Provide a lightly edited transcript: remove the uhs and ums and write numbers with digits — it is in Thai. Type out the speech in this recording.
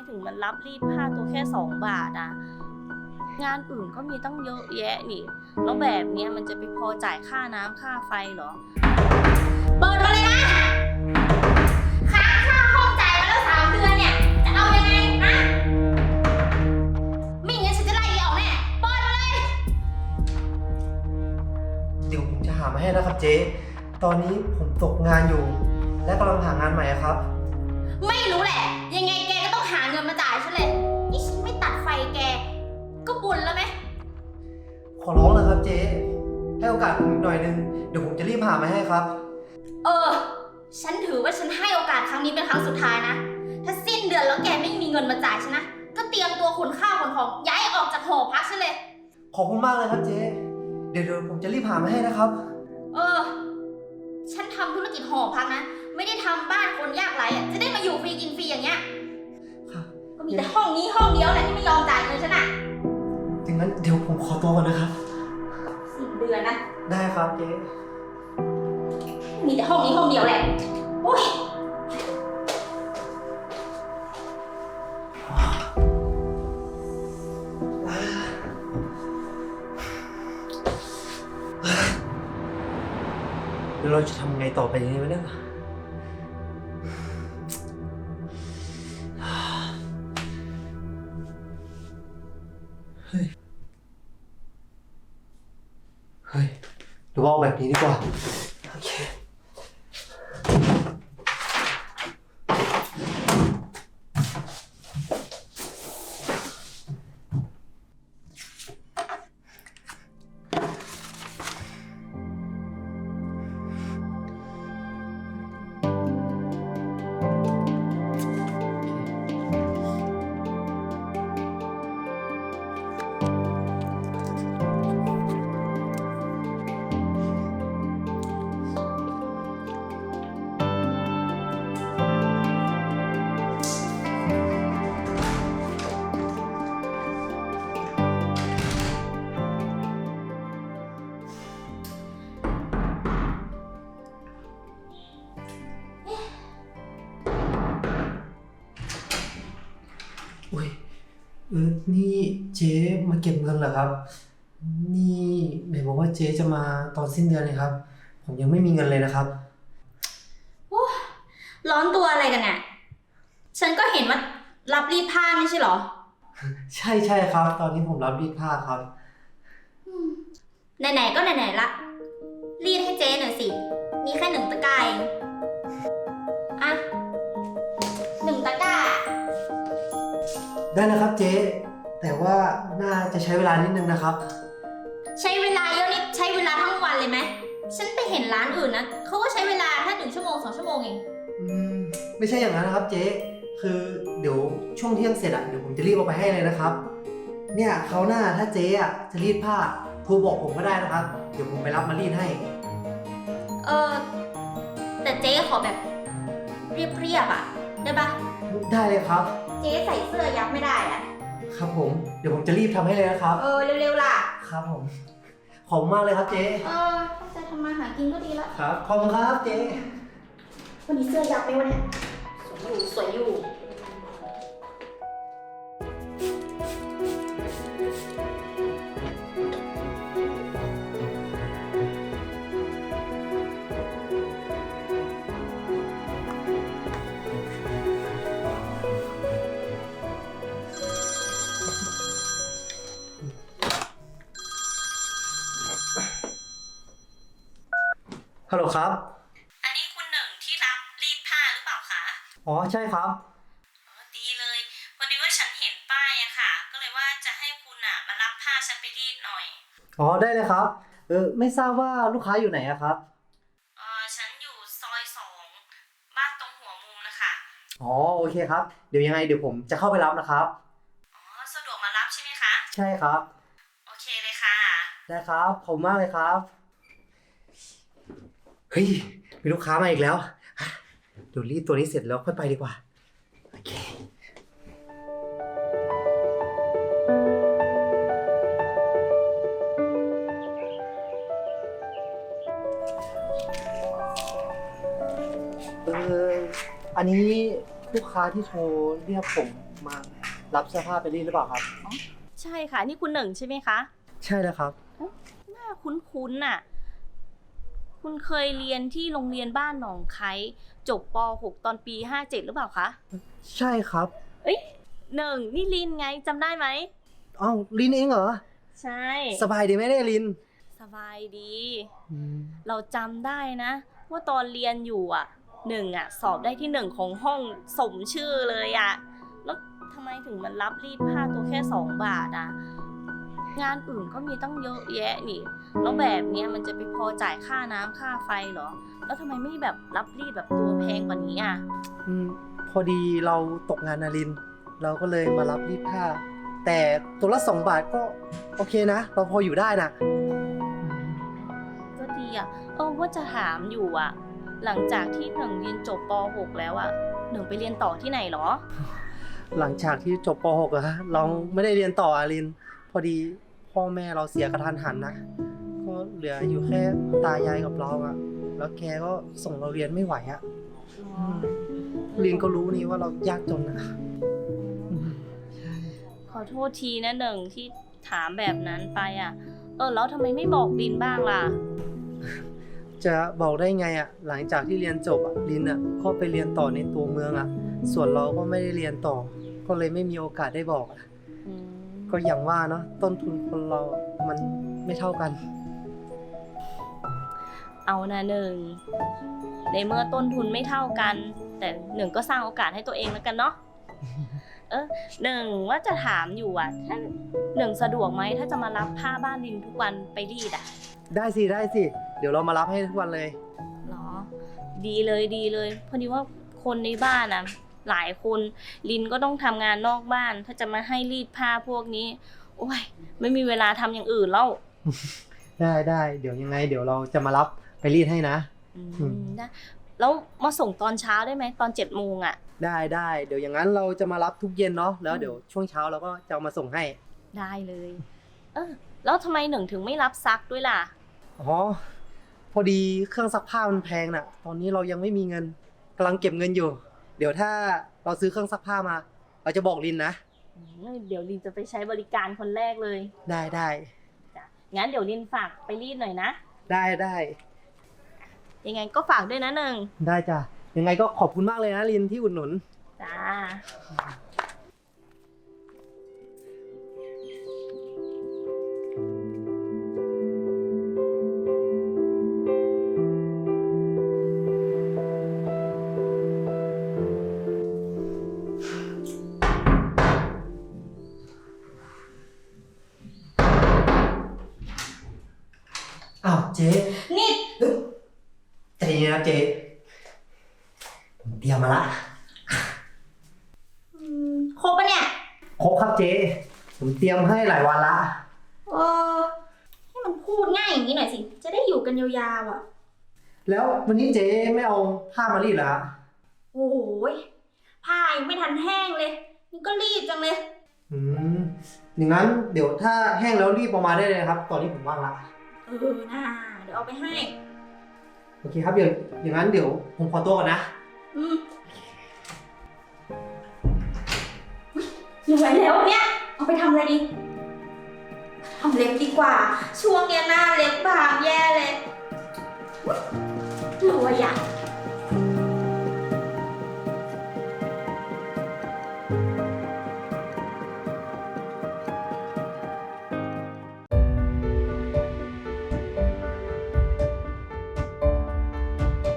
ถึงมันรับรีดผ้าตัวแค่2 บาทอะงานอื่นก็มีตั้งเยอะแยะนี่แล้วแบบเนี้ยมันจะไปพอจ่ายค่าน้ำค่าไฟเหรอเปิดมาเลยนะค้างค่าห้องจ่ายมาแล้ว3 เดือนเนี่ยจะเอายังไงนะไม่งั้นฉันจะไล่ออกแน่เปิดมาเลยเดี๋ยวผมจะหามาให้นะครับเจ๊ตอนนี้ผมตกงานอยู่ และกำลังหางานใหม่ครับไม่รู้แหละยังไงแกก็ต้องหาเงินมาจ่ายฉันเลยนี่ฉันไม่ตัดไฟแกก็บุญแล้วไหมขอร้องนะครับเจ๊ให้โอกาสผมอีกหน่อยนึงเดี๋ยวผมจะรีบหามาให้ครับฉันถือว่าฉันให้โอกาสครั้งนี้เป็นครั้งสุดท้ายนะถ้าสิ้นเดือนแล้วแกไม่มีเงินมาจ่ายฉันนะก็เตรียมตัวขนข้าวขนของย้ายออกจากหอพักฉันเลยขอบคุณมากเลยครับเจ๊เดี๋ยวผมจะรีบหามาให้นะครับฉันทำธุรกิจหอพักนะไม่ได้ทำบ้านคนยากไร้อะจะได้มาอยู่ฟรีกินฟรีอย่างเงี้ยก็มีแต่ห้องนี้ห้องเดียวแหละที่ไม่ยอมจ่ายเงินฉันอะถึงนั้นเดี๋ยวผมขอตัวก่อนนะครับสิ้นเดือนนะได้ครับเจ๊มีแต่ห้องนี้ห้องเดียวแหละโอ๊ยเดี๋ยวเราจะทำไงต่อไปนี้วะเนี่ยเฮ้ยหรือว่าเอาแบบนี้ดีกว่าโอเคนี่เจ๊มาเก็บเงินเหรอครับนี่ไหนบอกว่าเจ๊จะมาตอนสิ้นเดือนเลยครับผมยังไม่มีเงินเลยนะครับร้อนตัวอะไรกันเนี่ยฉันก็เห็นว่ารับรีดผ้าไม่ใช่เหรอใช่ครับตอนนี้ผมรับรีดผ้าครับไหนๆก็ไหนๆละรีดให้เจ๊หน่อยสิมีแค่1 ตะกร้าเองอ่ะ1 ตะกร้าได้นะครับเจ๊แต่ว่าน่าจะใช้เวลานิดนึงนะครับใช้เวลาเยอะนิดใช้เวลาทั้งวันเลยไหมฉันไปเห็นร้านอื่นนะเขาก็ใช้เวลาแค่1 ชั่วโมง 2 ชั่วโมงเองไม่ใช่อย่างนั้นนะครับเจ๊คือเดี๋ยวช่วงเที่ยงเสร็จเดี๋ยวผมจะรีบเอาไปให้เลยนะครับเนี่ยเขาหน้าถ้าเจ๊จะรีดผ้าโทรบอกผมก็ได้นะครับเดี๋ยวผมไปรับมารีดให้แต่เจ๊ขอแบบเรียบได้ปะได้เลยครับเจ๊ใส่เสื้อยับไม่ได้ครับผมเดี๋ยวผมจะรีบทำให้เลยนะครับเร็วๆล่ะครับผมขอบคุณมากเลยครับเจ๊ตั้งใจทำมาหากินก็ดีแล้วครับขอบคุณครับเจ๊วันนี้เสื้อยับไหมวะเนี่ยสวยอยู่ฮัลโหลครับอันนี้คุณหนึ่งที่รับรีดผ้าหรือเปล่าคะอ๋อใช่ครับดีเลยพอดีว่าฉันเห็นป้ายอะค่ะก็เลยว่าจะให้คุณมารับผ้าฉันไปรีดหน่อยอ๋อได้เลยครับไม่ทราบว่าลูกค้าอยู่ไหนอะครับฉันอยู่ซอย2บ้านตรงหัวมุมนะคะอ๋อโอเคครับเดี๋ยวผมจะเข้าไปรับนะครับสะดวกมารับใช่ไหมคะใช่ครับโอเคเลยค่ะได้ครับขอบคุณมากเลยครับเฮ้ยมีลูกค้ามาอีกแล้วเดี๋ยวรีดตัวนี้เสร็จแล้วค่อยไปดีกว่าโอเคอันนี้ลูกค้าที่โทรเรียกผมมารับเสื้อผ้าไปรีดหรือเปล่าครับใช่ค่ะ นี่คุณหนึ่งใช่ไหมคะใช่แล้วครับหน้าคุ้นๆน่ะ คุณเคยเรียนที่โรงเรียนบ้านหนองไคจบป .6 ตอนปี 57 หรือเปล่าคะใช่ครับเอ้ยหนึ่งนี่ลินไงจำได้ไหมอ้าวลินเองเหรอใช่สบายดีไหมเนี่ยลินสบายดี เราจำได้นะ ว่าตอนเรียนอยู่อ่ะหนึ่งอ่ะสอบได้ที่หนึ่งของห้องสมชื่อเลยอ่ะแล้วทำไมถึงมันรับรีดผ้าตัวแค่2 บาทอ่ะงานอื่นก็มีตั้งเยอะแยะนี่แล้วแบบเนี้ยมันจะไปพอจ่ายค่าน้ำค่าไฟเหรอแล้วทำไมไม่แบบรับรีดแบบตัวแพงกว่านี้อ่ะพอดีเราตกงานนะลิน เราก็เลยมารับรีดผ้า แต่ตัวละ2 บาทก็โอเคนะ เราพออยู่ได้นะก็ดีอ่ะว่าจะถามอยู่อ่ะหลังจากที่หนึ่งเรียนจบป .6 แล้วอ่ะหนึ่งไปเรียนต่อที่ไหนเหรอหลังจากที่จบป .6 อะฮะเราไม่ได้เรียนต่ออะลิน พอดีพ่อแม่เราเสียกระทันหันนะก็เหลืออยู่แค่ตายายกับเราอะแล้วแกก็ส่งเราเรียนไม่ไหวอะลินก็รู้นี่ว่าเรายากจนนะขอโทษทีนะหนึ่งที่ถามแบบนั้นไปอ่ะแล้วทำไมไม่บอกลินบ้างล่ะจะบอกได้ไงอะหลังจากที่เรียนจบอะลินอะก็ไปเรียนต่อในตัวเมืองอะส่วนเราก็ไม่ได้เรียนต่อ ก็เลยไม่มีโอกาสได้บอกอะก็อย่างว่าเนาะต้นทุนคนเรามันไม่เท่ากันเอานะหนึ่งในเมื่อต้นทุนไม่เท่ากัน แต่หนึ่งก็สร้างโอกาสให้ตัวเองแล้วกันเนาะหนึ่งว่าจะถามอยู่อ่ะถ้าหนึ่งสะดวกไหมถ้าจะมารับผ้าบ้านลินทุกวันไปรีดอ่ะได้สิได้สิ เดี๋ยวเรามารับให้ทุกวันเลยหรอดีเลยดีเลยพอดีว่าคนในบ้านอ่ะหลายคนลินก็ต้องทำงานนอกบ้าน ถ้าจะมาให้รีดผ้าพวกนี้โอ้ยไม่มีเวลาทำอย่างอื่นแล้วได้เดี๋ยวยังไงเดี๋ยวเราจะมารับไปรีดให้นะได้แล้วมาส่งตอนเช้าได้ไหมตอน7 โมงอ่ะได้เดี๋ยวอย่างนั้นเราจะมารับทุกเย็นเนาะแล้วเดี๋ยวช่วงเช้าเราก็จะเอามาส่งให้ได้เลยแล้วทำไมหนึ่งถึงไม่รับซักด้วยล่ะอ๋อพอดีเครื่องซักผ้ามันแพงน่ะ ตอนนี้เรายังไม่มีเงินกำลังเก็บเงินอยู่ เดี๋ยวถ้าเราซื้อเครื่องซักผ้ามา เราจะบอกลินนะเดี๋ยวลินจะไปใช้บริการคนแรกเลยได้จ้ะงั้นเดี๋ยวลินฝากไปรีดหน่อยนะได้ยังไงก็ฝากด้วยนะหนึ่งได้จ้ะยังไงก็ขอบคุณมากเลยนะลินที่อุดหนุนจ้าอ้าวเจ๊นี่ใจเย็นนะเจ๊ผมเตรียมมาละครบปะเนี่ยครบครับเจ๊ผมเตรียมให้หลายวันละให้มันพูดง่ายอย่างนี้หน่อยสิ จะได้อยู่กันยาวๆอ่ะแล้ววันนี้เจ๊ไม่เอาผ้ามารีดเหรอฮะโอ้ยผ้ายังไม่ทันแห้งเลย นี่ก็รีบจังเลยอย่างนั้นเดี๋ยวถ้าแห้งแล้วรีบออกมาได้เลยนะครับ ตอนนี้ผมว่างละน่าเดี๋ยวเอาไปให้โอเคครับอย่างนั้นเดี๋ยวผมขอตัวก่อนนะเหนื่อยแล้วเนี่ย เอาไปทำอะไรดีทำเล็บดีกว่า ช่วงเนี้ยหน้าเล็บบางแย่เลยรวยอ่ะ